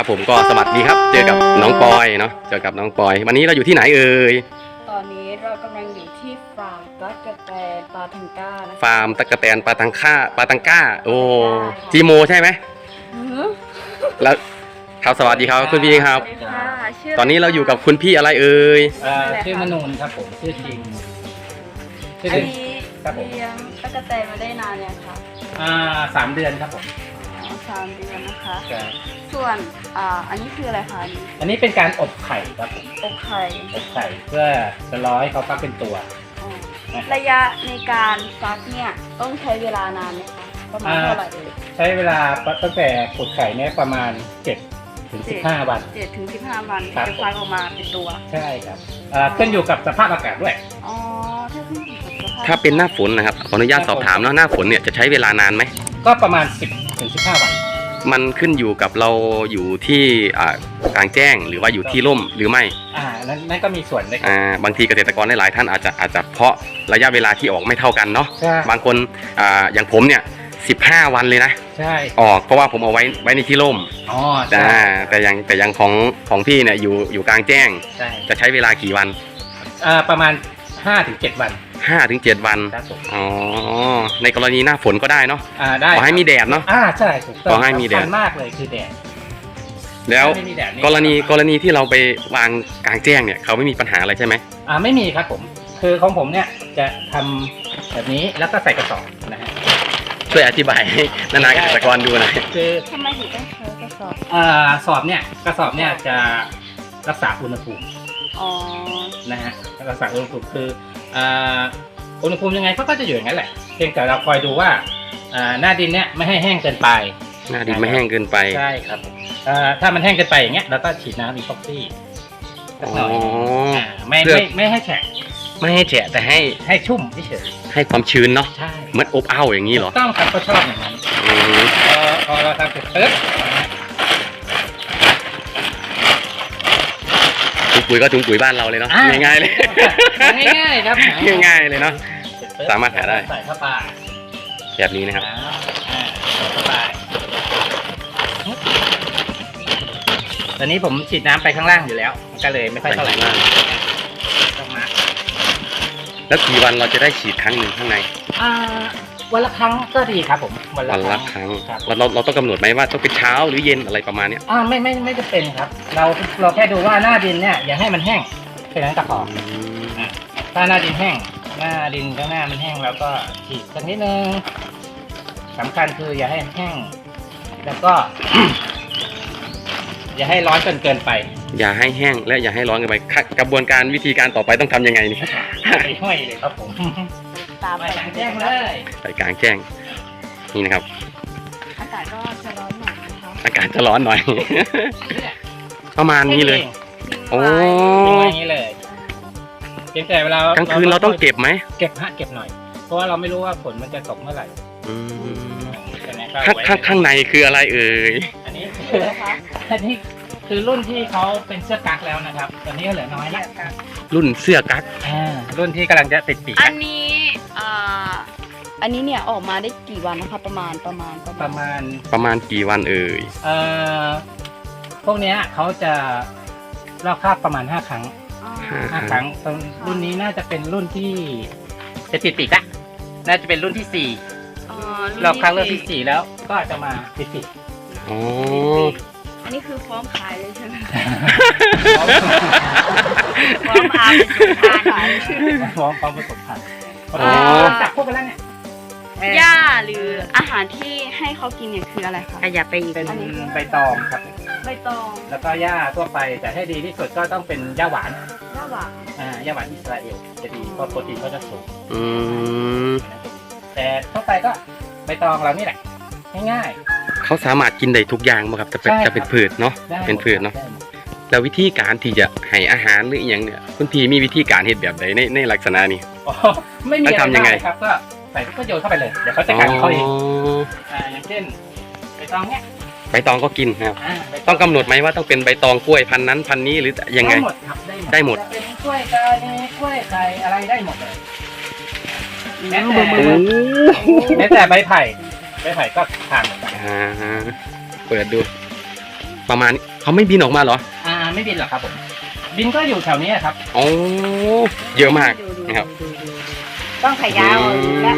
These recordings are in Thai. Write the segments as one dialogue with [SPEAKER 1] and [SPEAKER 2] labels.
[SPEAKER 1] ผมก็สวัสดีครับเจอกับน้องปอยเนาะเจอกับน้องปอยวันนี้เราอยู่ที่ไหนเอ่ย
[SPEAKER 2] ตอนนี้เรากำลังอยู่ที่ฟาร์มตั๊กแตนปาทังก้านะคะ
[SPEAKER 1] ฟาร์มตั๊กแตนปาตังก้าโอ้จีโมใช่ไหมแล้วครับสวัสดีครับคุณพี่ครับตอนนี้เราอยู่กับคุณพี่อะไรเอ่ย
[SPEAKER 3] ชื่อมนูนครับผมชื่อจริง
[SPEAKER 2] อันนี้เลี้ยงตั๊กแตนมาได้นานยังคะ
[SPEAKER 3] 3 เดือนครับผม
[SPEAKER 2] 3 เดือนนะคะส่วนอันนี้คืออะไรคะ
[SPEAKER 3] อันนี้เป็นการอบไข่ครับผม
[SPEAKER 2] อบไข่
[SPEAKER 3] เพื่อจะรอให้เขาฟักเป็นตัว
[SPEAKER 2] ระยะในการฟักเนี่ยต้องใช้เวลานานไหมคะประมาณเท่าไหร่
[SPEAKER 3] ใช้เวลาตั้งแต่ขุดไข่เนี่ยประมาณ7 ถึง 15 วัน
[SPEAKER 2] 7 ถึง 15 วันจะฟักออกมาเป็นตัว
[SPEAKER 3] ใช่ครับขึ้นอยู่กับสภาพอากาศด้วย
[SPEAKER 1] ถ้าเป็นหน้าฝนนะครับขออนุญาตสอบถามเนาะหน้าฝนเนี่ยจะใช้เวลานานไหม
[SPEAKER 3] ก็ประมาณ10 ถึง 15 วัน
[SPEAKER 1] มันขึ้นอยู่กับเราอยู่ที่กลางแจ้งหรือว่าอยู่ที่ร่มหรือไม่
[SPEAKER 3] นั่นก็มีส่วนเลย
[SPEAKER 1] บางทีเกษตรกรหลายท่านอาจจะเพาะระยะเวลาที่ออกไม่เท่ากันเนาะบางคนอย่างผมเนี่ย15 วันเลยนะ
[SPEAKER 3] ใช่
[SPEAKER 1] ออกเพราะว่าผมเอาไว้ในที่ร่มแต่อย่างของพี่เนี่ยอยู่กลางแจ้งจะใช้เวลากี่วัน
[SPEAKER 3] ประมาณ5 ถึง 7 วัน
[SPEAKER 1] 5 ถึง 7 วันอ๋อในกรณีหน้าฝนก็ได้เนาะ
[SPEAKER 3] ได้
[SPEAKER 1] ขอให้มีแดดเนาะ
[SPEAKER 3] ใช่ถูกต้อง
[SPEAKER 1] ขอให้มีแดด
[SPEAKER 3] มากเลยคือแดด
[SPEAKER 1] แล้วกรณีที่เราไปวางกลางแจ้งเนี่ยเขาไม่มีปัญหาอะไรใช่ไหม
[SPEAKER 3] ไม่มีครับผมคือของผมเนี่ยจะทำแบบนี้แล้วก็ใส่กระสอบนะฮะ
[SPEAKER 1] ช่วยอธิบายให้นาเกษตรกรดูหน่อย
[SPEAKER 2] คือทำไมถึงต้องใช้กระสอบ
[SPEAKER 3] กระสอบเนี่ยจะรักษาอุณหภูมินะฮะรักษาอุณหภูมิคืออุณหภูมิยังไงก็จะอยู่อย่างนั้นแหละเพียงแต่เราคอยดูว่าหน้าดินเนี่ยไม่ให้แห้งเกินไป
[SPEAKER 1] หน้าดินไม่แห้งเกินไป
[SPEAKER 3] ใช่ครับถ้ามันแห้งเกินไปอย่างเงี้ยเราก็ฉีดน้ำอีพ็อกซี่สักหน่อยไม่ให้แฉะ
[SPEAKER 1] ไม่ให้แฉะแต่
[SPEAKER 3] ให้ชุ่มเฉย
[SPEAKER 1] ให้ความชื้นเนาะ
[SPEAKER 3] ใช่
[SPEAKER 1] เหมือนอบอ้าวอย่างนี้เหรอ
[SPEAKER 3] ต้องครับก็ชอบอย่างนั้นพอเราทำเสร็จปึ๊บ
[SPEAKER 1] ถุงปุ๋ยก็ถุงปุ๋ยบ้านเราเลยเนาะง่ายๆเลย
[SPEAKER 3] ง่ายๆครับ
[SPEAKER 1] ง่ายๆเลยเนาะสามารถหาได้
[SPEAKER 3] ใส่เข้าไป
[SPEAKER 1] แบบนี้นะครับ
[SPEAKER 3] เข้าไปตอนนี้ผมฉีดน้ำไปข้างล่างอยู่แล้วมันก็เลยไม่ค่อยเท่าไหร่ต้องมา
[SPEAKER 1] แล้วกี่วันเราจะได้ฉีดครั้งหนึ่งข้างใน
[SPEAKER 3] วันละครั้งก็ดีครับผม
[SPEAKER 1] วันละครั้งเราต้องกำหนดไหมว่าต้องเป็นเช้าหรือเย็นอะไรประมาณนี้
[SPEAKER 3] ไม่จะเป็นครับเราแค่ดูว่าหน้าดินเนี่ยอย่าให้มันแห้งแค่นั้นก็พอถ้าหน้าดินแห้งหน้าดินข้างหน้ามันแห้งแล้วก็ฉีดสักนิดนึงสำคัญคืออย่าให้แห้งแล้วก็ อย่าให้ร้อนจนเกินไป
[SPEAKER 1] อย่าให้แห้งและอย่าให้ร้อนเกินไปกระบวนการวิธีการต่อไปต้องทำยังไงนี่
[SPEAKER 3] ห้อยเลยครับผมไปกลางแจ้งเลย
[SPEAKER 1] ไปกลางแจ้งนี่นะครับ
[SPEAKER 2] อากาศก็จะร้อนหน่อยนะคะ
[SPEAKER 1] อากาศจะร้อนหน่อยประมาณนี้เลย
[SPEAKER 3] โอ้อย่างนี้เลยเพียงแต่เวลาก
[SPEAKER 1] ลางคืนเราต้องเก็บไหม
[SPEAKER 3] เก็บหน่อยเพราะว่าเราไม่รู้ว่าฝนมันจะตกเมื่อไหร่
[SPEAKER 1] ข้างในคืออะไรเอ่ย
[SPEAKER 3] อันนี้คือรุ่นที่เขาเป็นเสื้อกั๊กแล้วนะครับตอนนี้ก็เหลือน้อยแล้ว
[SPEAKER 1] รุ่นเสื้อกั๊ก
[SPEAKER 3] รุ่นที่กำลังจะติดปีก
[SPEAKER 2] อันนี้เนี่ยออกมาได้กี่วันนะคะประมาณ
[SPEAKER 1] กี่วันเอ่ย
[SPEAKER 3] พวกนี้เขาจะลอกคราบประมาณ5 ครั้ง5 ครั้งรุ่นนี้น่าจะเป็นรุ่นที่จะติดปีกละน่าจะเป็นรุ่นที่4รอบครั้งรุ่นที่4แล้วก็จะมาติดปีก
[SPEAKER 2] อันนี้คือพร้อมขายเลยใช่ไหมพร้อมอาผสมพันธุ์ขาย
[SPEAKER 3] พร้อมผสมพันธุ์จับพวกกันแล้วเนี่ย
[SPEAKER 2] หญ้าหรืออาหารที่ให้เขากินเนี่ยคืออะไรคะ
[SPEAKER 3] อย่าไปเป็นใบตองครับ
[SPEAKER 2] ใบตอง
[SPEAKER 3] แล้วก็หญ้าทั่วไปแต่ให้ดีที่สุดก็ต้องเป็นหญ้าหวาน
[SPEAKER 2] หญ้าหว
[SPEAKER 3] านอิสราเอลจะดีเพราะโปรตีนเขาจะสูงแต่ทั่วไปก็ใบตองเรานี่แหละง่าย
[SPEAKER 1] ๆเขาสามารถกินได้ทุกอย่างไหมครับจะเป็นพืชเนาะเป็นพืชเนาะแล้ววิธีการที่จะให้อาหารหรืออย่างเนี่ยคุณพี่มีวิธีการเห็ดแบบใดในลักษณะนี้
[SPEAKER 3] ไม่มีอะไรทำยังไงครับก็ใส่ก็โยนเข้าไปเลยเดี๋ยวเขาจะกัดเขาเองอย่างเช่นใบตองเนี้ย
[SPEAKER 1] ใบตองก็กินครับต้องกำหนดไหมว่าต้องเป็นใบตองกล้วยพันนั้นพันนี้หรือยังไงได้หมด
[SPEAKER 3] เป็นกล้วยกานีกล้วยไข่อะไรได้หมดเลยแม้แต่ใบไผ่ก็ทานเหมือนกัน
[SPEAKER 1] เปิดดูประมาณเขาไม่บินออกมาเหรอ
[SPEAKER 3] ไม่บินหรอกครับผมบินก็อยู่แถวนี้ครับ
[SPEAKER 1] โอ้เยอะมากนะครับ
[SPEAKER 2] ต้องขยาวแล้ว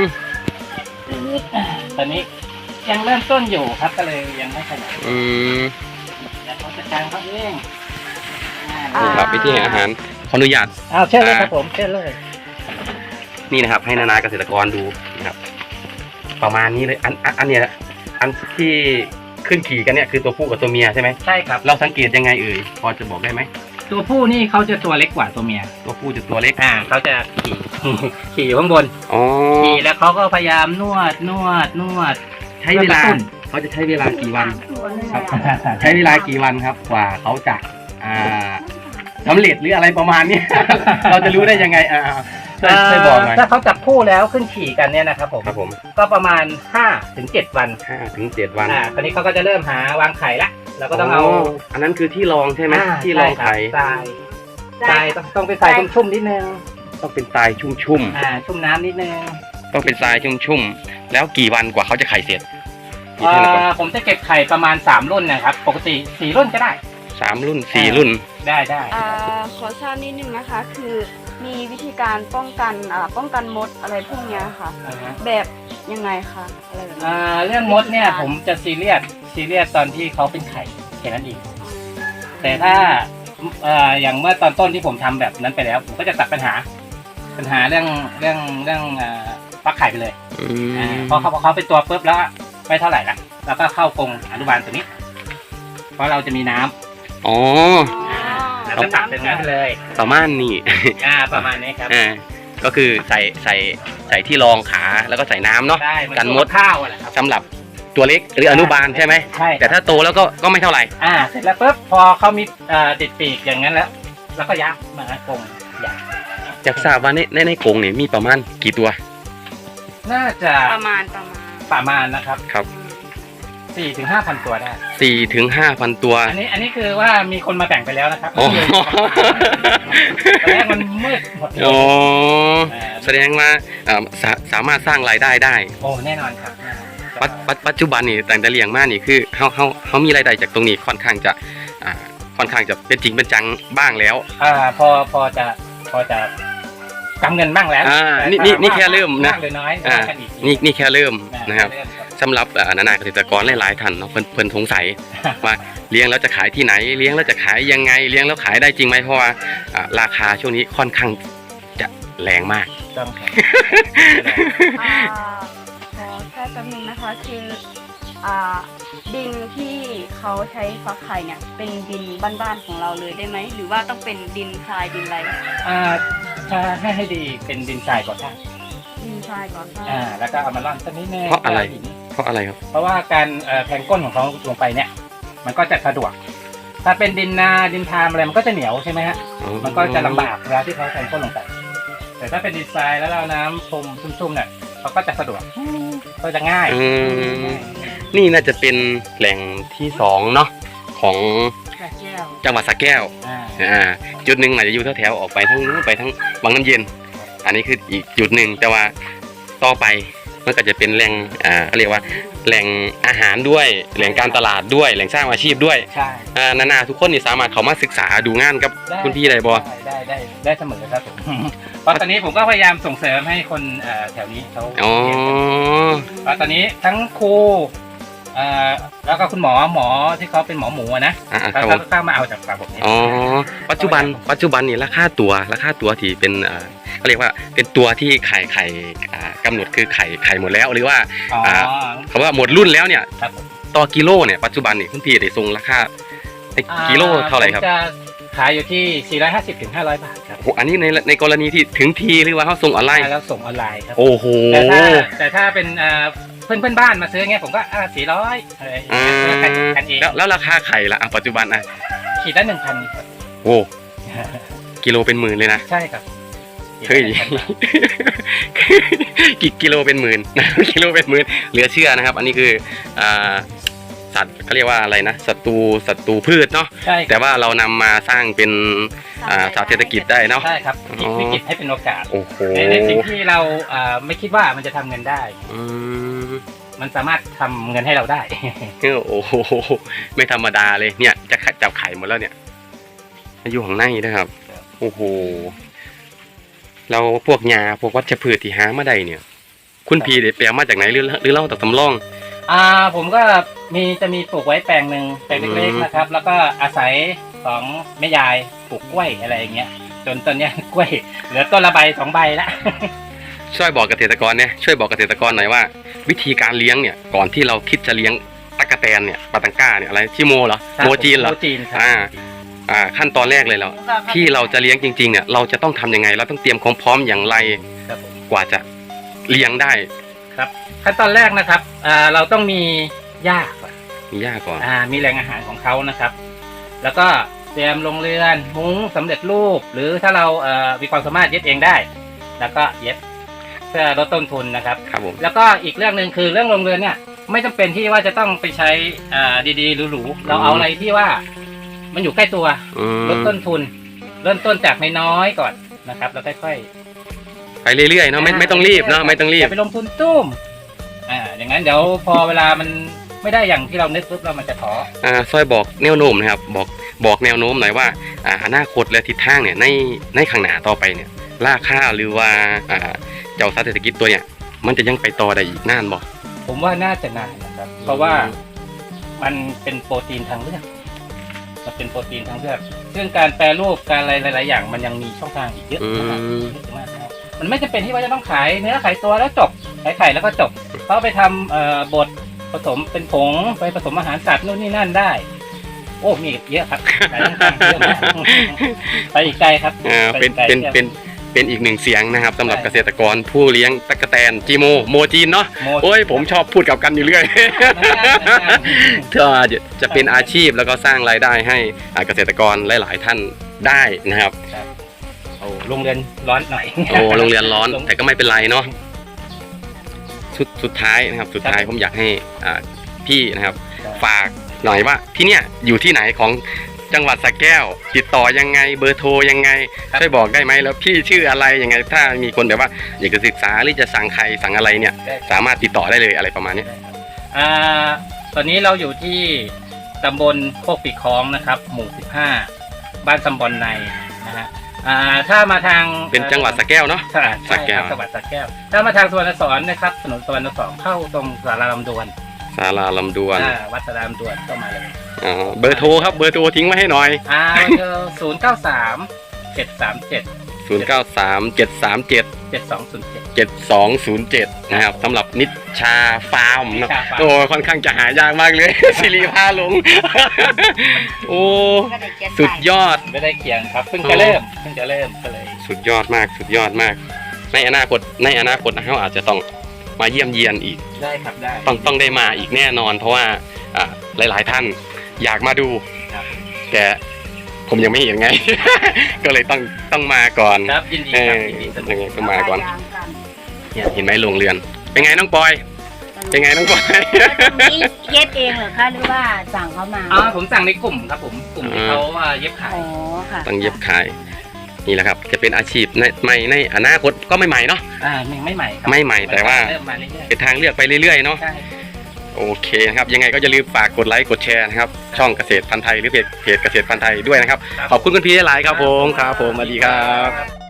[SPEAKER 3] ตอนนี้ยังเริ่มต้นอยู่ครับก็เลยยังไม่ขยาย
[SPEAKER 1] อืม
[SPEAKER 3] เดี๋ยวเขาจัดการเขาเอง
[SPEAKER 1] นี่ครับวิธีให้อาหารขออนุญาต
[SPEAKER 3] เชิญเลยครับผมเชิญเลย
[SPEAKER 1] นี่นะครับ ให้นานาเกษตรกรดูนะครับ ประมาณนี้เลยอันเนี้ยอันที่ขึ้นขี่กันเนี่ยคือตัวผู้กับตัวเมียใช่ไหม
[SPEAKER 3] ใช่ครับ
[SPEAKER 1] เราสังเกตยังไงเอ่ยพอจะบอกได้ไหม
[SPEAKER 3] ตัวผู้นี่เขาจะตัวเล็กกว่าตัวเมีย
[SPEAKER 1] ตัวผู้จะตัวเล็ก
[SPEAKER 3] เขาจะขี่ ขี่อยู่ข้างบน
[SPEAKER 1] อ๋อ
[SPEAKER 3] ขี่แล้วเขาก็พยายามนวด
[SPEAKER 1] ใช้เวลา
[SPEAKER 3] เพื่อกระตุ้น
[SPEAKER 1] เขาจะใช้เวลากี่วัน
[SPEAKER 2] ครับ
[SPEAKER 1] ใช้เวลากี่วันครับกว่าเขาจะสำเร็จหรืออะไรประมาณนี้ เราจะรู้ได้ยังไงช่วยบอกหน่อย
[SPEAKER 3] ถ้าเขาจับคู่แล้วขึ้นขี่กันเนี่ยนะครับผม
[SPEAKER 1] ครับผม
[SPEAKER 3] ก็ประมาณ5 ถึง 7 วัน
[SPEAKER 1] 5-7 วัน
[SPEAKER 3] คราวนี้เขาก็จะเริ่มหาวางไข่ละเราก็ต้องเอา
[SPEAKER 1] อันนั้นคือที่รองใช่ไหมที่รองไข่
[SPEAKER 3] ทรายทรายต้องเป็นทรายชุ่มๆนิดนึง
[SPEAKER 1] ต้องเป็นทรายชุ่ม
[SPEAKER 3] ชุ่มน้ำนิดนึง
[SPEAKER 1] ๆต้องเป็นทรายชุ่มๆแล้วกี่วันกว่าเขาจะไข่เสร็จกี่เท่าไหร่ก่อน
[SPEAKER 3] ผมจะเก็บไข่ประมาณ3รุ่นนะครับปกติ4รุ่นก็ได้
[SPEAKER 1] 3 รุ่น 4 รุ่น
[SPEAKER 3] ได้
[SPEAKER 2] ขอทราบนิดนึงนะคะ คือมีวิธีการป้องกันมดอะไรพวกเนี้ยค่ะ แบบยังไงคะอะไรแบบนี้
[SPEAKER 3] เรื่องมดเนี่ยผมจะซีเรียสตอนที่เขาเป็นไข่แค่นั้นเองแต่ถ้าอย่างเมื่อตอนต้นที่ผมทำแบบนั้นไปแล้ว ผมก็จะตัดปัญหาเรื่องฟักไข่ไปเลยพอเขาเป็นตัวปุ๊บแล้วไม่เท่าไหร่ละแล้วก็เข้ากรงอนุบาลตัวนี้ เพราะเราจะมีน้ำ
[SPEAKER 1] อ๋อ
[SPEAKER 3] แล้วก็ตัดเป็นงั้นไปเลย
[SPEAKER 1] ประมาณนี้
[SPEAKER 3] ประมาณนี้ครับ
[SPEAKER 1] ก็คือใส่ที่รองขาแล้วก็ใส่น้ำเนาะ
[SPEAKER 3] ได้
[SPEAKER 1] กันมด
[SPEAKER 3] ข้าวอะไรครับ
[SPEAKER 1] สำหรับตัวเล็กหรืออนุบาลใช่ไหม
[SPEAKER 3] ใช่
[SPEAKER 1] แต่ถ้าโตแล้วก็ไม่เท่าไหร่
[SPEAKER 3] เสร็จแล้วปุ๊บพอเขามีติดปีกอย่างนั้นแล้วก็ยักมากรงยัก
[SPEAKER 1] อยากทราบว่าในกรงเนี่ยมีประมาณกี่ตัว
[SPEAKER 3] น่าจะ
[SPEAKER 2] ประมาณ
[SPEAKER 3] นะครับ
[SPEAKER 1] ครับ
[SPEAKER 3] 4 ถึง 5,000 ตัวได้
[SPEAKER 1] 4-5,000 ตัว
[SPEAKER 3] อันนี้คือว่ามีคนมาแบ่งไปแล้วนะครับ
[SPEAKER 1] อ๋อ
[SPEAKER 3] ตอนแรกมันมืดหมดเลย
[SPEAKER 1] อ๋อแสดงว่าสามารถสร้างรายได้ได้
[SPEAKER 3] โอ้แน่นอนครับ
[SPEAKER 1] ปัจจุบันนี่แต่เลี้ยงมานี่คือเขามีรายได้จากตรงนี้ค่อนข้างจะเป็นจริงเป็นจังบ้างแล้ว
[SPEAKER 3] พอจะกำเงินบ้างแล้ว
[SPEAKER 1] นี่แค่เริ่มนะ
[SPEAKER 3] มากหรือน้อย
[SPEAKER 1] นี่แค่เริ่มนะครับสำหรับนานาเกษตรกรหลายๆท่านเนาะเพิ่นสงสัยว่าเลี้ยงแล้วจะขายที่ไหนเลี้ยงแล้วจะขายยังไงเลี้ยงแล้วขายได้จริงไหมเพราะว่าราคาช่วงนี้ค่อนข้างจะแรงมาก
[SPEAKER 3] ต้องครับ
[SPEAKER 2] ขอแค่แป๊บนึงนะคะคือดินที่เขาใช้ฟักไข่เนี่ยเป็นดินบ้านๆของเราเลยได้ไหมหรือว่าต้องเป็นดินทรายดินอะไร
[SPEAKER 3] ถ้าให้ดีเป็นดินทรายก่อนได้
[SPEAKER 2] ดินทรายก่อนค่ะ
[SPEAKER 3] แล้วก็เอามาร่อนสักนิดนึง
[SPEAKER 1] เพราะอะไรครับ
[SPEAKER 3] เพราะว่าการแทงก้นของเขาลงไปเนี่ย มันก็จะสะดวก ถ้าเป็นดินนาดินทามอะไรมันก็จะเหนียวใช่ไหมฮะ มันก็จะลำบากเวลาที่เขาแทงก้นลงไป แต่ถ้าเป็นดินทรายแล้วเราน้ำพรมชุ่มๆเนี่ยเขาก็จะสะดวกก็จะง่าย
[SPEAKER 1] นี่น่าจะเป็นแหล่งที่2เนาะของจังหวัดสระแก้วจุดหนึ่งอาจจะอยู่แถวๆออกไปทั้งนู้นไปทั้งบางน้ำเย็น อันนี้คืออีกจุดหนึ่งแต่ว่าต่อไปมันก็จะเป็นแหล่งเรียกว่าแหล่งอาหารด้วยแหล่งการตลาดด้วยแหล่งสร้างอาชีพด้วย
[SPEAKER 3] ใช่
[SPEAKER 1] นาทุกคนนี่สามารถเข้ามาศึกษาดูงานกับคุณพี่ได้บ่
[SPEAKER 3] ได้เสมอครับผมเพราะตอนนี้ผมก็พยายามส่งเสริมให้คนแถวนี้เขาเรียนกันเพราะตอนนี้ทั้งครูแล้วก็คุณหมอที่เขาเป็นหมอหมูนะเขาก็เข้ามาเอาจากระบบนี้
[SPEAKER 1] ปัจจุบันนี่ราคาตัวที่เป็นเขาเรียกว่าเป็นตัวที่ไข่กำหนดคือไข่หมดแล้วหรือว่าเขาว่าหมดรุ่นแล้วเนี่ยต่อกิโลเนี่ยปัจจุบันนี่คุณพี่ได้ส่งราคากิโลเท่าไหร่ครับ
[SPEAKER 3] จะขายอยู่ที่450 ถึง 500 บาทครับ
[SPEAKER 1] โอ้อันนี้ในกรณีที่ถึงทีหรือว่าเขาส่งออนไลน์
[SPEAKER 3] แล้วส่งออนไลน์ครับ
[SPEAKER 1] โอ้โห
[SPEAKER 3] แต่ถ้าเป็นเพื่อนบ้านมาซื้อเงี้ยผมก็400อะไรกันเอง
[SPEAKER 1] แล้วราคาไข่ละปัจจุบัน
[SPEAKER 3] ขีดละ 1,000
[SPEAKER 1] โอ้กิโลเป็นหมื่นเลยนะ
[SPEAKER 3] ใช่ครับ
[SPEAKER 1] เฮ้ยกิโลเป็นหมื่นกิโลเป็นหมื่นเหลือเชื่อนะครับ อันนี้คือสัตว์เขาเรียกว่าอะไรนะศัตรูพืชเนาะแต่ว่าเรานำมาสร้างเป็นสัตว์เศรษฐกิจได้เนาะ
[SPEAKER 3] ใช่ครับวิกฤตให้เป็นโอกาส
[SPEAKER 1] โอ้โห
[SPEAKER 3] ในสิ่งที่เราไม่คิดว่ามันจะทำเงินได้มันสามารถทำเงินให้เราได้
[SPEAKER 1] โอ้โหไม่ธรรมดาเลยเนี่ยจะจับไข่หมดแล้วเนี่ยอยู่ข้างในนะครับโอ้โหเราพวกยาพวกวัชพืชที่หามาได้เนี่ย คุณพี่ได้แปลมาจากไหนหรือเล่าจากสำรอง
[SPEAKER 3] ผมก็จะมีปลูกไว้แปลงหนึ่งแปลงเล็กๆนะครับ แล้วก็อาศัยของแม่ยายปลูกกล้วยอะไรอย่างเงี้ยจนตอนเนี้ยกล้วยเหลือต้นละใบ2 ใบละ
[SPEAKER 1] ช่วยบอกเกษตรกรเนี่ยช่วยบอกเกษตรกรหน่อยว่า วิธีการเลี้ยงเนี่ยก่อนที่เราคิดจะเลี้ยงตั๊กแตนเนี่ยปาตังก้าเนี่ยอะไรชิโมเหรอโมจีนเหรอ
[SPEAKER 3] โมจีนครับ
[SPEAKER 1] ขั้นตอนแรกเลยเราที่เราจะเลี้ยงจริงๆเนี่ยเราจะต้องทำยังไงเราต้องเตรียมความพร้อมอย่างไร
[SPEAKER 3] ครับผม
[SPEAKER 1] กว่าจะเลี้ยงได้
[SPEAKER 3] ครับขั้นตอนแรกนะครับเราต้องมีหญ้าก่อน
[SPEAKER 1] มีหญ้าก่อน
[SPEAKER 3] มีแหล่งอาหารของเขานะครับ แล้วก็เตรียมโรงเรือนมุ้งสำเร็จรูปหรือถ้าเรามีความสามารถเย็บเองได้ แล้วก็เย็บเพื่อลดต้นทุนนะครับ
[SPEAKER 1] ครับผม
[SPEAKER 3] แล้วก็อีกเรื่องหนึ่งคือเรื่องโรงเรือนเนี่ยไม่จำเป็นที่ว่าจะต้องไปใช้ดีๆหรูๆเราเอาอะไรที่ว่ามันอยู่ใกล้ตัวลดต้นทุนเริ่มต้นจากน้อยๆก่อนนะครับแล้วค่อยๆ
[SPEAKER 1] ไปเรื่อยๆเนาะไม่ต้องรีบเนาะไม่ต้องรีบ
[SPEAKER 3] อย่าไปลงทุนตุ้มอย่างนั้นเดี๋ยวพอเวลามันไม่ได้อย่างที่เรานึกปุ๊บเรามันจะท้อ
[SPEAKER 1] ซอยบอกแนวโน้มนะครับบอกแนวโน้มหน่อยว่าอนาคตและทิศทางเนี่ยในข้างหน้าต่อไปเนี่ยราคาหรือว่าเจ้าสัตว์เศรษฐกิจตัวเนี่ยมันจะยังไปต่อได้อีกนานบ่
[SPEAKER 3] ผมว่าน่าจะนานนะครับเพราะว่ามันเป็นโปรตีนทางเลือกมันเป็นโปรตีนทางเลือกซึ่งการแปรรูปการอะไรหลายๆอย่างมันยังมีช่องทางอีกเยอะมากนะครับมันไม่จำเป็นที่ว่าจะต้องขายเนื้อขายตัวแล้วจบขายไข่แล้วก็จบเขาไปทำบดผสมเป็นผงไปผสมอาหารสัตว์นู่นนี่นั่นได้โอ้มีเยอะครับหลายช่องทางเยอะมากไปอีกไกลครับ
[SPEAKER 1] เป็นอีกหนึ่งเสียงนะครับสำหรับเกษตรกรผู้เลี้ยงตั๊กแตนจีโมโมจีนเนาะโอ้ยผมชอบพูดกับกันอยู่เรื่อยจะเป็นอาชีพแล้วก็สร้างรายได้ให้เกษตรกรหลายๆท่านได้นะครับ
[SPEAKER 3] โรงเรียนร้อนหน่อย
[SPEAKER 1] โรงเรียนร้อนแต่ก็ไม่เป็นไรเนาะสุดท้ายนะครับสุดท้ายผมอยากให้พี่นะครับฝากหน่อยว่าที่เนี่ยอยู่ที่ไหนของจังหวัดสระแก้วติดต่อยังไงเบอร์โทรยังไงช่วยบอกได้ไหมแล้วพี่ชื่ออะไรยังไงถ้ามีคนแบบว่าอยากจะศึกษาหรือจะสั่งใครสั่งอะไรเนี่ยสามารถติดต่อได้เลยอะไรประมาณนี้
[SPEAKER 3] ตอนนี้เราอยู่ที่ตำบลโคกปีคล้องนะครับหมู่15บ้านตำบลในนะฮะถ้ามาทาง
[SPEAKER 1] เป็นจังหวัดสระแก้วเนาะ
[SPEAKER 3] สระแก้วจังหวัดสระแก้วถ้ามาทางสุวรรณสอนนะครับถนนสุวรรณสอนเข้าตรงศาลาลำดวนวัดศาลาลำดวนเข้ามาเลย
[SPEAKER 1] เบอร์โทรครับเบอร์โทรทิ้งไว้ให้หน่อย
[SPEAKER 3] 093-737-7207
[SPEAKER 1] นะครับสำหรับนิชาฟาร์มนะโอ้ค่อนข้างจะหายากมากเลยสิริพาหลงโอ้สุดยอด
[SPEAKER 3] ไม่ได้เขียนครับเพิ่งจะเริ่มก็เลย
[SPEAKER 1] สุดยอดมากในอนาคตเขาอาจจะต้องมาเยี่ยมเยียนอีก
[SPEAKER 3] ได้ครับได้
[SPEAKER 1] ต้องได้มาอีกแน่นอนเพราะว่าหลายๆท่านอยากมาดูแต่ผมยังไม่เห็นไง ก็เลยต้องมาก่อน
[SPEAKER 3] ครับยินดีครับ
[SPEAKER 1] ต้องมาก่อนเนี่ยเห็นไหมโรงเรือนเป็นไงน้องปอยเป็นไงน้องปอย
[SPEAKER 2] นี่เย็บเองเหรอคะหรือว่าสั่งเขามา
[SPEAKER 3] ผมสั่งในกลุ่มครับผมกลุ่มที่เขาเย็บขาย
[SPEAKER 1] ต้องเย็บขายนี่แหละครับจะเป็นอาชีพใหม่ในอนาคตก็ไม่ใหม่เนาะ
[SPEAKER 3] ไม่ใหม่
[SPEAKER 1] ไม่ใหม่แต่ว่าเป็นทางเลือกไปเรื่อยๆเนาะโอเคนะครับยังไงก็อย่าลืมฝากกดไลค์กดแชร์นะครับช่องเกษตรพันธุ์ไทยหรือเพจเกษตรพันธุ์ไทยด้วยนะครับขอบคุณคุณพี่หลายครับผมสวัสดีครับ